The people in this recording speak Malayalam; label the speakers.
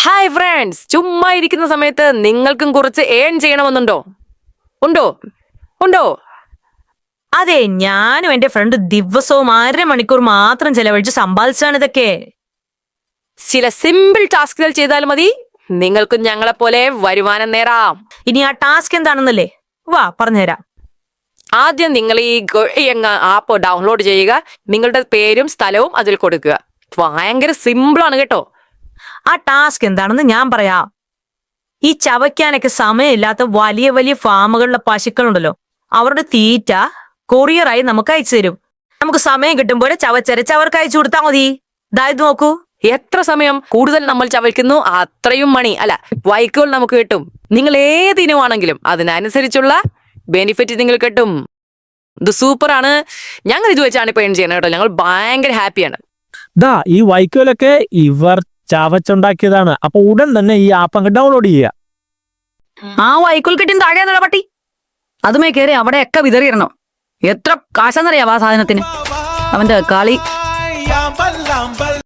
Speaker 1: ഹായ് ഫ്രണ്ട്സ്, ചുമ്മാ ഇരിക്കുന്ന സമയത്ത് നിങ്ങൾക്കും കുറച്ച് ഏൺ ചെയ്യണമെന്നുണ്ടോ? ഉണ്ടോ ഉണ്ടോ
Speaker 2: അതെ, ഞാനും എന്റെ ഫ്രണ്ട് ദിവസവും 1.5 മണിക്കൂർ മാത്രം ചെലവഴിച്ച് സമ്പാദിച്ചാണ് ഇതൊക്കെ.
Speaker 1: ചില സിമ്പിൾ ടാസ്കുകൾ ചെയ്താൽ മതി, നിങ്ങൾക്കും ഞങ്ങളെപ്പോലെ വരുമാനം നേടാം.
Speaker 2: ഇനി ആ ടാസ്ക് എന്താണെന്നല്ലേ, വാ പറഞ്ഞുതരാം.
Speaker 1: ആദ്യം നിങ്ങൾ ഈ ഗൊഴിയങ്ങ ആപ്പ് ഡൗൺലോഡ് ചെയ്യുക. നിങ്ങളുടെ പേരും സ്ഥലവും അതിൽ കൊടുക്കുക. ഭയങ്കര സിമ്പിളാണ് കേട്ടോ.
Speaker 2: ആ ടാസ്ക് എന്താണെന്ന് ഞാൻ പറയാം. ഈ ചവയ്ക്കാനൊക്കെ സമയമില്ലാത്ത വലിയ വലിയ ഫാമുകളിലെ പശുക്കളുണ്ടല്ലോ, അവരുടെ തീറ്റ കൊറിയറായി നമുക്ക് അയച്ചു തരും. നമുക്ക് സമയം കിട്ടുമ്പോൾ ചവച്ചരച്ച് അവർക്ക് അയച്ചു കൊടുത്താൽ മതി. ഇതായത് നോക്കൂ,
Speaker 1: എത്ര സമയം കൂടുതൽ നമ്മൾ ചവയ്ക്കുന്നു അത്രയും മണി അല്ല വൈക്കുകൾ നമുക്ക് കിട്ടും. നിങ്ങൾ ഏത് ഇനമാണെങ്കിലും അതിനനുസരിച്ചുള്ള ബെനിഫിറ്റ് നിങ്ങൾ കിട്ടും. ഇത് സൂപ്പറാണ്. ഞങ്ങൾ ഇത് വെച്ചാണ് ഇപ്പൊ ഏൺ ചെയ്യുന്നത് കേട്ടോ. ഞങ്ങൾ ഭയങ്കര ഹാപ്പിയാണ്.
Speaker 3: ഈ വൈക്കോലൊക്കെ ഇവർ ചവച്ചുണ്ടാക്കിയതാണ്. അപ്പൊ ഉടൻ തന്നെ ഈ ആപ്പ് അങ്ങ് ഡൗൺലോഡ് ചെയ്യുക.
Speaker 4: ആ വൈക്കോൽ കെട്ടിന് താഴെയാണല്ലോ പട്ടി. അതുമേ കയറി അവിടെയൊക്കെ വിതറിയിടണം. എത്ര കാശാന്നറിയാം ആ സാധനത്തിന്. അവന്റെ കളി.